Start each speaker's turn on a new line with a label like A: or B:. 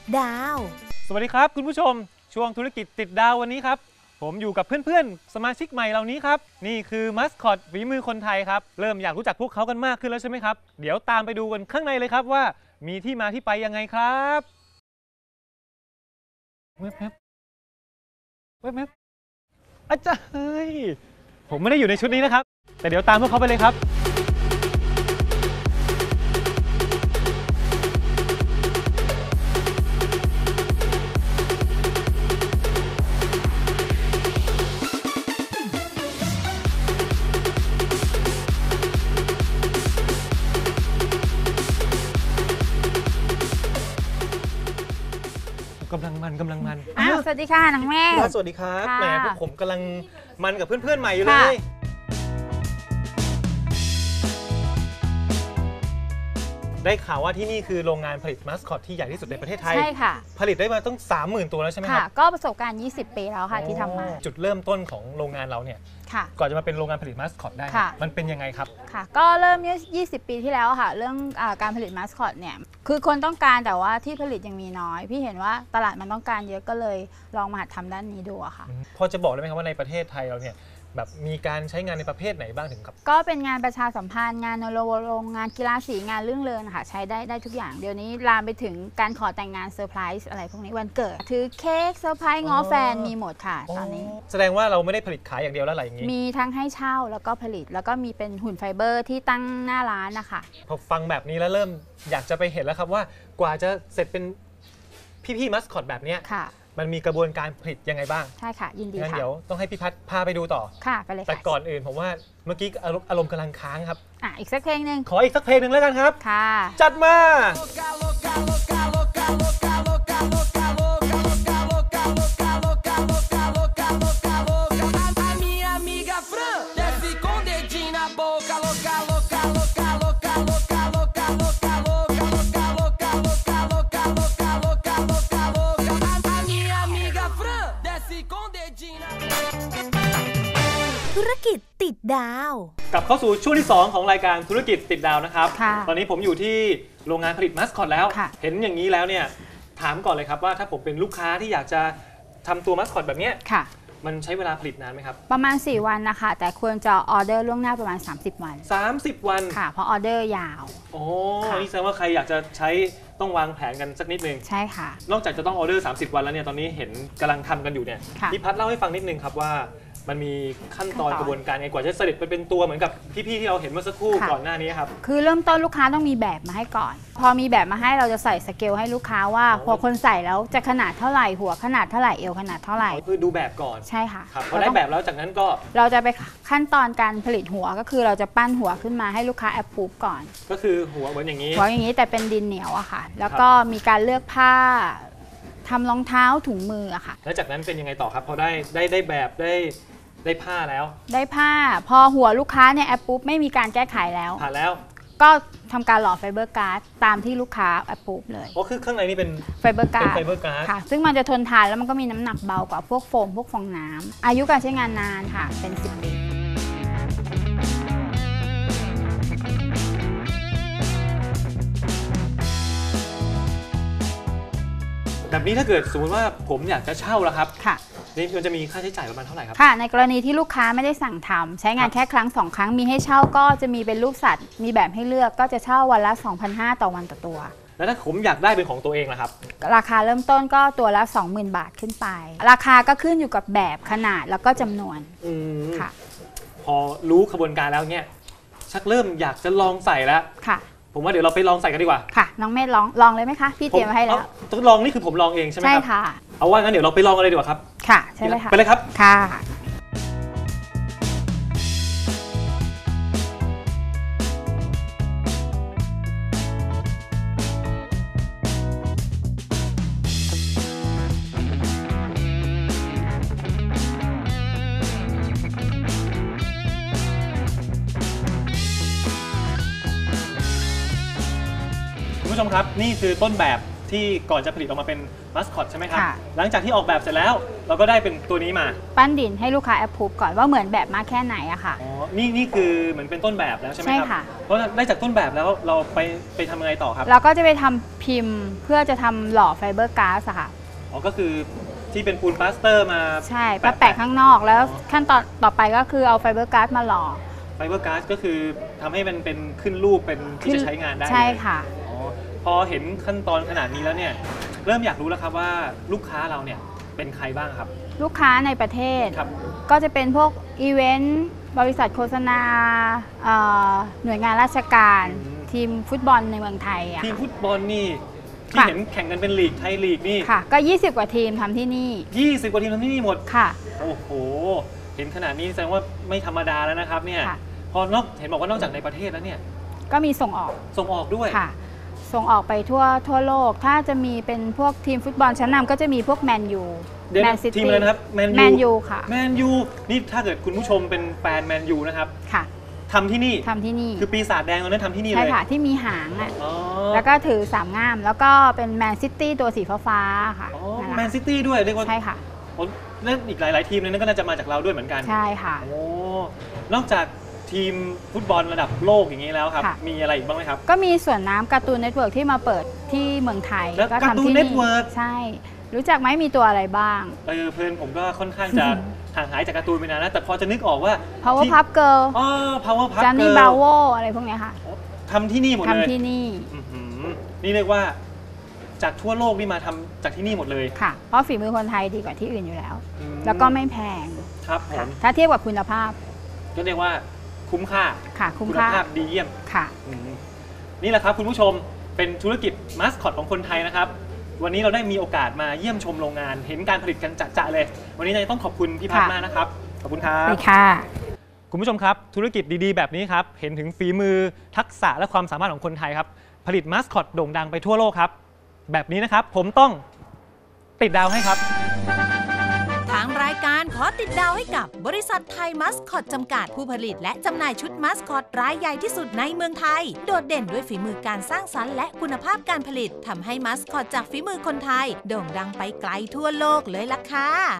A: ดาว
B: สวัสดีครับคุณผู้ชมช่วงธุรกิจติดดาววันนี้ครับผมอยู่กับเพื่อนๆสมาชิกใหม่เหล่านี้ครับนี่คือมัสคอตฝีมือคนไทยครับเริ่มอยากรู้จักพวกเขากันมากขึ้นแล้วใช่ไหมครับเดี๋ยวตามไปดูกันข้างในเลยครับว่ามีที่มาที่ไปยังไงครับเว็บอาจารย์เฮ้ยผมไม่ได้อยู่ในชุดนี้นะครับแต่เดี๋ยวตามพวกเขาไปเลยครับกำลังมัน
C: สวัสดีค่ะน้องแม่
B: สวัสดีครับ
C: ค่ะ
B: แหมพวกผมกำลังมันกับเพื่อนๆใหม่อยู่เลย ได้ข่าวว่าที่นี่คือโรงงานผลิตมัสคอตที่ใหญ่ที่สุดในประเทศไทย
C: ใช่ค่ะ
B: ผลิตได้มาต้อง 30,000 ตัวแล้วใช่ไหมค
C: ค่ะ
B: รับ
C: ก็ประสบการณ์ 20 ปีแล้วค่ะที่ทำมา
B: จุดเริ่มต้นของโรงงานเราเนี่ย
C: ค่ะ
B: ก่อนจะมาเป็นโรงงานผลิตมัสคอตได้เนี่ย
C: ค่ะ
B: มันเป็นยังไงครับ
C: ค่ะ ก็เริ่ม20 ปีที่แล้วค่ะ เรื่องการผลิตมาสคอตเนี่ย คือคนต้องการแต่ว่าที่ผลิตยังมีน้อย พี่เห็นว่าตลาดมันต้องการเยอะก็เลยลองมาหัดทำด้านนี้ดูอะค่ะ
B: พอจะบอกได้ไหมครับว่าในประเทศไทยเราเนี่ยแบบมีการใช้งานในประเภทไหนบ้างถึงกับ
C: ก็เป็นงานประชาสัมพันธ์งานรณรงค์งานกีฬาสีงานเรื่องเริงค่ะใช้ได้ทุกอย่างเดี๋ยวนี้ลามไปถึงการขอแต่งงานเซอร์ไพรส์อะไรพวกนี้วันเกิดถือเค้กเซอร์ไพรส์ง้อแฟนมีหมดค่ะตอนนี้
B: แสดงว่าเราไม่ได้ผลิตขายอย่างเดียวแล้วอะไรอย่างนี้
C: มีทั้งให้เช่าแล้วก็ผลิตแล้วก็มีเป็นหุ่นไฟเบอร์ที่ตั้งหน้าร้านนะคะ
B: พอฟังแบบนี้แล้วเริ่มอยากจะไปเห็นแล้วครับว่ากว่าจะเสร็จเป็นพี่มัสคอตแบบเนี้ย
C: ค่ะ
B: มันมีกระบวนการผลิตยังไงบ้าง
C: ใช่ค่ะยินดี
B: งั้น
C: ค่ะ
B: เดี๋ยวต้องให้พี่พัฒน์พาไปดูต่อ
C: ค่ะไปเลย
B: แต่
C: ค่ะ
B: ก่อนอื่นผมว่าเมื่อกี้อารมณ์กำลังค้างครับ
C: อีกสักเพลงหนึ่ง
B: ขออีกสักเพลงหนึ่งแล้วกันครับ
C: ค่ะ
B: จัดมา
A: ธุรกิจติดดาว
B: กลับเข้าสู่ช่วงที่ 2 ของรายการธุรกิจติดดาวนะครับ
C: ค่ะ
B: ตอนนี้ผมอยู่ที่โรงงานผลิตมัสคอตแล้ว
C: ค่ะ
B: เห็นอย่างนี้แล้วเนี่ยถามก่อนเลยครับว่าถ้าผมเป็นลูกค้าที่อยากจะทำตัวมัสคอตแบบเนี้ย
C: ค่ะ
B: มันใช้เวลาผลิตนานไหมครับ
C: ประมาณ 4 วันนะคะ แต่ควรจะออเดอร์ล่วงหน้าประมาณ 30 วัน
B: 30 วัน
C: ค่ะ เพราะออเดอร์ยาว
B: โอ้
C: ค่ะ
B: นี่แสดงว่าใครอยากจะใช้ต้องวางแผนกันสักนิดนึง
C: ใช่ค่ะ
B: นอกจากจะต้องออเดอร์ 30 วันแล้วเนี่ย ตอนนี้เห็นกำลังทำกันอยู่เนี่ย
C: ค่ะ
B: พี่พัฒน์เล่าให้ฟังนิดนึงครับว่ามันมีขั้นตอนกระบวนการไงกว่าจะเสด็จไปเป็นตัวเหมือนกับพี่ๆที่เราเห็นเมื่อสักครู่ก่อนหน้านี้ครับ
C: คือเริ่มต้นลูกค้าต้องมีแบบมาให้ก่อน พอมีแบบมาให้เราจะใส่สเกลให้ลูกค้าว่าพอคนใส่แล้วจะขนาดเท่าไหร่หัวขนาดเท่าไหร่เอวขนาดเท่าไหร่
B: คือดูแบบก่อน
C: ใช่ค่ะ
B: ครับพอได้แบบแล้วจากนั้นก็
C: เราจะไปขั้นตอนการผลิตหัวก็คือเราจะปั้นหัวขึ้นมาให้ลูกค้าแอปพูฟก่อน
B: ก็คือหัวเหมือนอย่างนี้
C: หัวอย่างนี้แต่เป็นดินเหนียวอะค่ะ แล้วก็มีการเลือกผ้าทำรองเท้าถุงมืออะค่ะ
B: แล้วจากนั้นเป็นยังไงต่อครับพอได้แบบได้ผ้าแล้ว
C: ได้ผ้าพอหัวลูกค้าเนี่ยแอปปุ๊บไม่มีการแก้ไขแล้ว
B: ผ่านแล้ว
C: ก็ทำการหล่อไฟเบอร์การ์ดตามที่ลูกค้าแอปปุ๊บเลย
B: ก็คือข้างในนี่เป็น
C: ไฟเบอร์การ์ด
B: เป็นไฟเบอร์การ์ด
C: ค่ะ ซึ่งมันจะทนทานแล้วมันก็มีน้ำหนักเบากว่าพวกโฟมพวกฟองน้ำอายุการใช้งานนานค่ะเป็น 10 ปี
B: แบบนี้ถ้าเกิดสมมติว่าผมอยากจะเช่าแล้วครับ
C: ค่ะ
B: นี่มันจะมีค่าใช้จ่ายประมาณเท่าไหร่ครับ
C: ค่ะในกรณีที่ลูกค้าไม่ได้สั่งทำใช้งานแค่ครั้ง 2 ครั้งมีให้เช่าก็จะมีเป็นรูปสัตว์ มีแบบให้เลือกก็จะเช่าวันละ 2,500 ต่อวันต่อตัว
B: แล้วถ้าผมอยากได้เป็นของตัวเองล่ะครับ
C: ราคาเริ่มต้นก็ตัวละ 20,000 บาทขึ้นไป ราคาก็ขึ้นอยู่กับแบบขนาดแล้วก็จำนวน
B: อืม
C: ค่ะ
B: พอรู้ขบวนการแล้วเนี่ยชักเริ่มอยากจะลองใส่แล้ว
C: ค่ะ
B: ผมว่าเดี๋ยวเราไปลองใส่กันดีกว่า
C: ค่ะ น้องเมธลองเลยไหมคะ พี่เตรียมไว้ให้แล้ว
B: ต้องลองนี่คือผมลองเองใช่ไหม
C: ใช่
B: ครับ
C: ค่ะ
B: เอาว่างั้นเดี๋ยวเราไปลองกันเลยดีกว่าครับ
C: ค่ะใช่เลยค่ะ
B: ไปเลยครับ
C: ค่ะ
B: คุณผู้ชมครับนี่คือต้นแบบที่ก่อนจะผลิตออกมาเป็นมัสคอตใช่ไหมครับ
C: ค่ะ
B: หลังจากที่ออกแบบเสร็จแล้วเราก็ได้เป็นตัวนี้มา
C: ปั้นดินให้ลูกค้าแอปพูฟก่อนว่าเหมือนแบบมากแค่ไหนอะค่ะ
B: อ๋อนี่คือเหมือนเป็นต้นแบบแล้วใช่ไหม
C: ใช่
B: ครับ
C: ค่ะ
B: เพราะได้จากต้นแบบแล้วเราไปทำยังไงต่อครับ
C: เราก็จะไปทำพิมพ์เพื่อจะทำหล่อไฟเบอร์ก๊าซอะค่ะ
B: อ๋อก็คือที่เป็นปูนปลาสเตอร์มา
C: ใช่มาแปะข้างนอกแล้วขั้นตอนต่อไปก็คือเอาไฟเบอร์ก๊าซมาหล่อ
B: ไฟเบอร์ก๊าซก็คือทำให้มันเป็นขึ้นรูปเป็นที่จะใช้งานได้
C: ใช่
B: เลย
C: ค่ะ
B: อ๋อพอเห็นขั้นตอนขนาดนี้แล้วเนี่ยเริ่มอยากรู้แล้วครับว่าลูกค้าเราเนี่ยเป็นใครบ้างครับ
C: ลูกค้าในประเทศ
B: ครับ
C: ก็จะเป็นพวกอีเวนต์บริษัทโฆษณาหน่วยงานราชการ ทีมฟุตบอลในเมืองไทยอะ
B: ทีมฟุตบอลนี่ที่
C: ค่ะ
B: เห็นแข่งกันเป็นลีกไทยลีกนี่
C: ค่ะ ก็ 20 กว่าทีมทำที่นี่
B: 20 กว่าทีมทำที่นี่หมด
C: ค่ะ
B: โอ้โห เห็นขนาดนี้แสดงว่าไม่ธรรมดาแล้วนะครับเนี่ย
C: ค่ะ
B: เห็นบอกว่านอกจากในประเทศแล้วเนี่ย
C: ก็มีส่งออก
B: ส่งออกด้วย
C: ค่ะ ส่งออกไปทั่วโลก ถ้าจะมีเป็นพวกทีมฟุตบอลชั้นนำก็จะมีพวกแมนยู
B: เดี๋ยว
C: แม
B: นะ
C: นซิ
B: ทีม
C: ตี้
B: อะไรนะครับแมน
C: แมน
B: ยู
C: ยูค่ะ
B: แมนยูนี่ถ้าเกิดคุณผู้ชมเป็นแฟนแมนยูนะครับ
C: ค่ะ
B: ทำที่นี่
C: ทำที่นี่
B: คือปีศาจแดงตอนนั้นทำที่นี่เล
C: ใช่
B: ย
C: ค่ะ ที่มีหางอะ
B: อ๋อ
C: แล้วก็ถือ3ง่าม แล้วก็เป็นแมนซิตี้ตัวสีฟ้าๆค่ะ
B: อ๋อ
C: นั่นแหละ
B: แมนซิตี้ด้วยเรียกว่า
C: ใช่ค่ะ
B: โอ้เล่นอีกหลาย ๆ ทีมเลยนั่นก็น่าจะมาจากเราด้วยเหมือนกัน
C: ใช่ค่ะ
B: โอ้นอกจากทีมฟุตบอลระดับโลกอย่างนี้แล้วครับ
C: ค่ะ
B: มีอะไรอีกบ้างไหมครับ
C: ก็มีส่วนน้ำการ์ตูนเน็ตเวิร์กที่มาเปิดที่เมืองไทย
B: แล้ว
C: ก็
B: การ์ตูน
C: ทำที่
B: Network
C: ใช่ รู้จักไหมมีตัวอะไรบ้าง
B: เพื่อนผมก็ค่อนข้างจะ ห่างหายจากการ์ตูนไปนานนะแต่พอจะนึกออกว่า
C: Power
B: ที่
C: Puff Girl
B: อ๋อ Power Puff
C: จ a นนี่
B: Girl
C: บราโวอะไรพวกเนี้ยค่ะ
B: ทำที่นี่หมดเลย
C: ทำที่นี่
B: อื้อหือนี่เรียกว่าจากทั่วโลกนี่มาทำจากที่นี่หมดเลย
C: ค่ะ เพราะฝีมือคนไทยดีกว่าที่อื่นอยู่แล้ว
B: อืม
C: แล้วก็ไม่แพง
B: ครับผ
C: ค่ะ
B: ม
C: ถ้าเทียบกับคุณภาพ
B: ก็เรียกว่าคุ้มค่า
C: ค่ะ คุ้ม
B: คุณ
C: ค่า
B: ภาพดีเยี่ยม
C: ค่ะ
B: อืมนี่แหละครับคุณผู้ชมเป็นธุรกิจมาสคอตของคนไทยนะครับ วันนี้เราได้มีโอกาสมาเยี่ยมชมโรงงาน เห็นการผลิตกันจะๆเลย วันนี้ต้องขอบคุณพี่พัฒน์
C: ค่ะ
B: มากนะครับ ขอบคุณครั
C: ไป
B: บ
C: ค่ะ
B: คุณผู้ชมครับ ธุรกิจดีๆ แบบนี้ครับ เห็นถึงฝีมือทักษะและความสามารถของคนไทยครับ ผลิตมาสคอตโด่งดังไปทั่วโลกครับ แบบนี้นะครับ ผมต้องติดดาวให้ครับ
A: ทางรายการขอติดดาวให้กับบริษัทไทยมัสคอตจำกัดผู้ผลิตและจำหน่ายชุดมัสคอตรายใหญ่ที่สุดในเมืองไทย โดดเด่นด้วยฝีมือการสร้างสรรค์และคุณภาพการผลิตทำให้มัสคอตจากฝีมือคนไทยโด่งดังไปไกลทั่วโลกเลยล่ะค่ะ